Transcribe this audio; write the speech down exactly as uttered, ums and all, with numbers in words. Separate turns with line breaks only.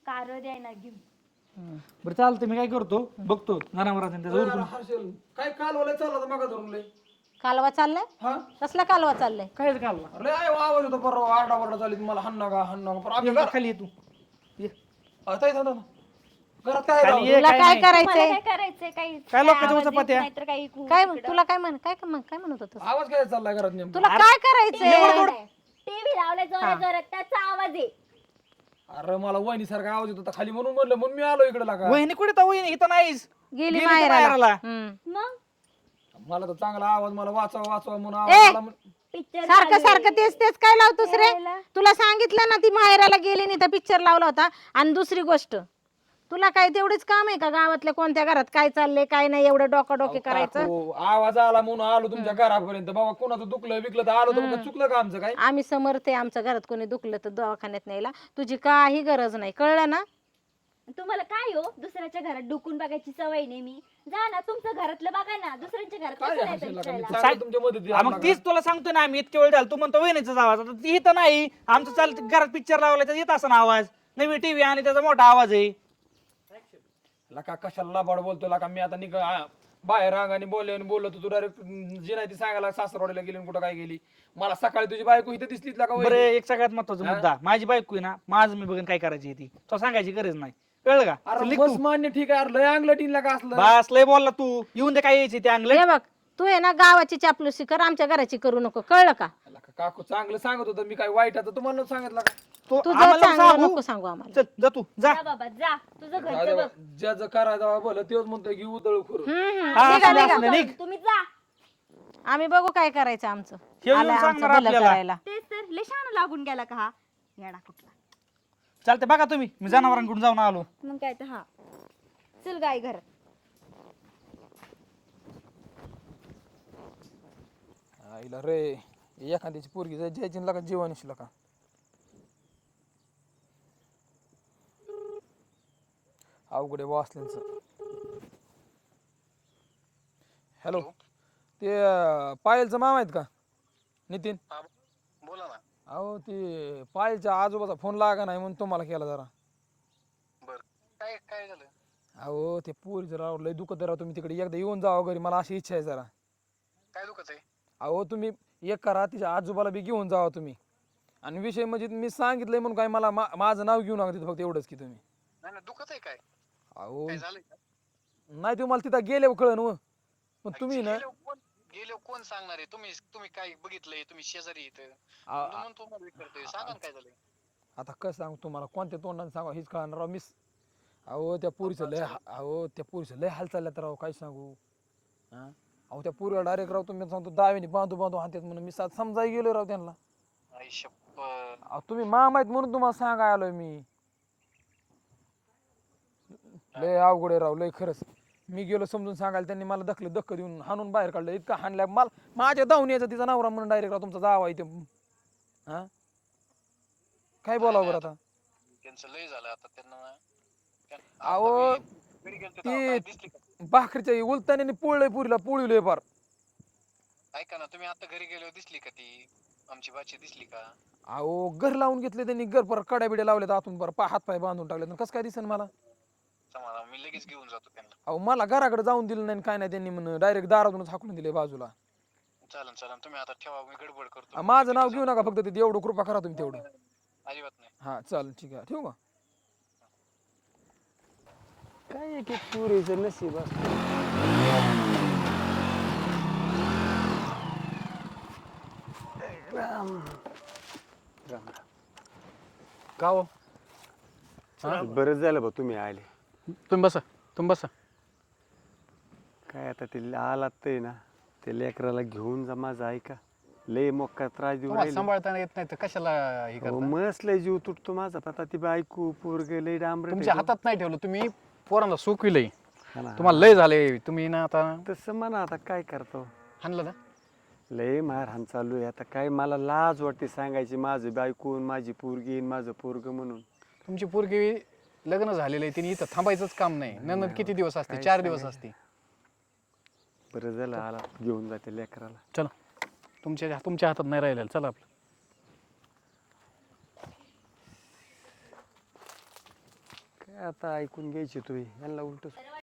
Car द्यायला घेऊन.
बरं चालतं, मी काय करतो बघतो जनावरांचा त्याचा उरकून.
हर्षल काय काल ओले चालला मग धरून लय
कालवा चाललाय?
हा
कसला कालवा चाललाय?
कायच काढला
अरे आय आवाज होता परवा आरडा वरडा चालली मला हन्ना का हन्ना का परवा
ये, खाली ये तू ये.
आता येतो ना घरात काय
खाली
राव?
ये,
तुला
काय
काय
नाही.
मला
करायचंय?
काय करायचंय? काही
काय लोकांच्या
आवाज येत
चपात्या?
नाही तर काही
काय तुला काय म्हण काय म्हण काय म्हणत होतं?
आवाज काय चाललाय घरात नेमका?
तुला काय करायचंय?
टीव्ही लावलाय जोरात जोरात, त्याचा आवाज आहे.
अरे मला वहिनी सारखा आवाज येत होता खाली म्हणून म्हणलं म्हणून मी आलो इकडे लागा
वहिनी कुठे तर वहिनी इथं नाहीस,
गेली
गेली तर
माहेराला.
माहेराला.
हम्म.
मग
मला तर चांगला आवाज मला वाचवा वाचवा म्हणून
ए!
आवाज आला म्हण-
पिक्चर
सारखं सारखं तेच तेच काय लावतोस रे?
यायला.
तुला सांगितलं ना ती माहेराला गेली नाही तर पिक्चर लावला होता. आणि दुसरी गोष्ट, तुला काय तेवढीच काम आहे का गावातल्या कोणत्या घरात काय चाललंय काय नाही एवढं डोकं डोके करायचं?
काकू, आवाज आला म्हणून आलो तुमच्या घरापर्यंत बाबा कोणाचं दुखलं विकलं तर आलो तर मग चुकलं का आमचं काय?
आम्ही समर्थ आहे, आमच्या घरात कोणी दुखलं तर दवाखान्यात न्यायला तुझी काही गरज नाही, कळलं ना?
तुम्हाला काय हो, दुसऱ्याच्या घरात डुकून बघायची सवय नाही. मी जा ना तुमचं घरातलं बघा ना, दुसऱ्यांच्या घरात
काय
कसं
हर्षल
नाही
लागा? मी
विचारायला?
चांगलं तुमच्या मदतीला
हा, मग
आलो
तीच तुला सांगतोय ना आम्ही इतके वेळ झाला, तू म्हणतो वहिनीचा आवाज, आता ती इथं नाही, आमचं चालतं घरात पिक्चर लावला तर येत असा ना आवाज, नवी टीव्ही आणि त्याचा मोठा आवाज आहे.
लका कशाला लाबाड बोलतो लका मी आता निघ आ, बाहेर रांगाने बोलले आणि बोललो तू डायरेक्ट जी नाही ती सांगायला सासरवाडीला गेली आणि कुठं काय गेली. मला सकाळी तुझी बायको इथे दिसलीच लका
बरं,
वहिनी.
एक सगळ्यात महत्वाचा मुद्दा, माझी बायको आहे ना, माझं मी बघून काय करायची ती तो सांगायची गरज नाही, कळलं का?
अरे
लिख
बस
तू.
मान्य ठीक आहे, अरे लय अंगलं टीन लका असलं.
बस लय बोलला तू, येऊन दे काय यायची ते अंगलं.
हे बघ, तू आहे ना गावाची चापलुसी कर, आमच्या घराची करू नको, कळलं का?
लका काकू चांगलं सांगत होतं मी काय वाईट आता तुम्हाला नव्हतं सांगितलं का?
तो
तुझं
आम्हाला
चांगलं
सांगू.
नको सांगू आम्हाला.
चल जा तू जा.
जा बाबा जा, तुझं
जाऊ दे
घरचं
बा,
बघ.
ज्याचं करायचं भलं तेच म्हणतोय की उदळ करू.
हम्म, हम्म.
हा,
निघा,
असं
निघा.
असं निघ.
तुम्ही जा.
आम्ही बघू काय करायचं आमचं.
हे येऊन
आलंय आमचं
सांगणार
भलं
आपल्याला.
करायला.
तेच तर लेशान लागून गेला का हा येडा कुठला.
चालते बघा तुम्ही, मी जनावरांकडून जाऊन आलो.
मग काय तर हा चल गाय घरात.
आईला रे एखाद्याची पोरगी जाय जायची लका जीवानीशी लका. अवघडे वाचल्यांचं. हॅलो, ते अं, पायलचं मामा आहेत का नितीन?
बोला ना.
अहो ते पायलच्या आजोबाचा फोन लागा नाही म्हणून तुम्हाला केला जरा.
बर, काय काय झालं?
अहो ते पोरी जरा लय दुखत राहा, तुम्ही तिकडे एकदा येऊन जावा घरी, मला अशी इच्छा आहे जरा.
काय दुखत आहे?
अहो तुम्ही एक करा, तिच्या आजोबाला बी घेऊन जावा तुम्ही. आणि विषय म्हणजे मी सांगितलंय म्हणून काय मला मा- माझं नाव घेऊ नका तिथं, फक्त एवढंच की तुम्ही.
नाही नाही, दुखत आहे काय?
अहो
काय झालंय का?
नाही तुम्हाला तिथं गेले कळन व पण तुम्ही ना
गेल्यावर कोण गेल्यावर कोण सांगणार आहे? तुम्ही तुम्ही काय बघितलंय? तुम्ही शेजारी इथं
आ-
म्हणून तुम्हाला विचारतोय. सांगा ना काय झालंय?
आता कसं सांगू तुम्हाला, कोणत्या तोंडाने सांगा हेच कळणार राव. मिस अहो त्या पुरीचं लय हा- अहो त्या पुरीचं लय हाल चालल्यात राव, काय सांगू. हा अहो त्या पुरीला डायरेक्ट राव तुम्ही सांगतो दावेने बांधू बांधू हातात म्हणून मी सात समजाय गेलो राव त्यांना.
आई शप्पथ.
अहो तुम्ही मामा आहेत म्हणून तुम्हाला सांगाय आलोय मी. लय अवघड आहे राव, लय खरंच. मी गेलो समजून सांगायला, त्यांनी मला दखल धक्क देऊन हाणून बाहेर काढलं. इतका हाणल्या मला माझ्या धावून यायचा तिचा नवरा म्हणून डायरेक्ट राव तुमचा जावा इथे. हा काय बोलावं बरं आता.
त्यांचं लय झालं आता त्यांना ना. त्या-
अहो,
आता मी घरी गेलतो तेव्हा काय
ती
दिसली का?
भाकरीच्या उलताने पोळलंय पुरीला, पोळीलंय फार.
ऐका ना, तुम्ही आता घरी गेल्यावर दिसली का ती आमची बाची दिसली का?
अहो घर लावून घेतले त्यांनी, घर पर कड्या बिड्या लावल्यात आतून, बरं हात पाय बांधून टाकले. कसं काय दिसेल मला.
सांगा, मी लगेच घेऊन जातो त्यांना.
अहो मला घराकडे जाऊन दिलं नाही काय नाही, त्यांनी म्हणून डायरेक्ट दारातूनच हाकलून दिले बाजूला.
चालन चालन, तुम्ही आता ठेवा, मी गडबड करतो.
अ, माझं नाव घेऊ नका फक्त, तिथे एवढं कृपा करा तुम्ही तेवढं.
अजिबात नाही.
हा चालेल, ठीक आहे, ठेवू का.
काय एक एक पुरीचं नशीब असतं. राम राम
का हो?
राम. बरं झालं बा तुम्ही आले.
तुम्ही बसा, तुम्ही बसा.
काय आता ते आलात ते ना, ते लेकराला घेऊन जा माझं, ऐका. लय मोक्का त्रास देऊ
तुम्हाला
राहिले.
सांभाळताना येत नाही तर कशाला हे
अहो,
करता?
मस्त लय जीव तुटतो माझा. आता ती बायको पोरग लय डांबरट
तुमच्या
आहे.
हातात नाही ठेवलं, तुम्ही पोरांना सुकविलंय.
हा ना.
तुम्हाला लय झाले, तुम्ही ना आता
तसं म्हणा, आता काय करतो.
हाणलं ना.
लय मारहाण चालू आहे आता. काय मला लाज वाटते सांगायची, माझं बायकून माझी पोरगी न माझं पोरग म्हणून.
तुमची पोरगी लग्न झालेलं आहे, तिने इथं थांबायचंच काम नाही. नंतर किती दिवस असते?
काय
चार दिवस
सांगायचं.
असते.
बरं झालं आला, घेऊन जाते लेकराला.
चला, तुमच्या तुमच्या हातात नाही राहिलेलं. चला आपलं.
काय आता ऐकून घ्यायची तुम्ही यांना उलट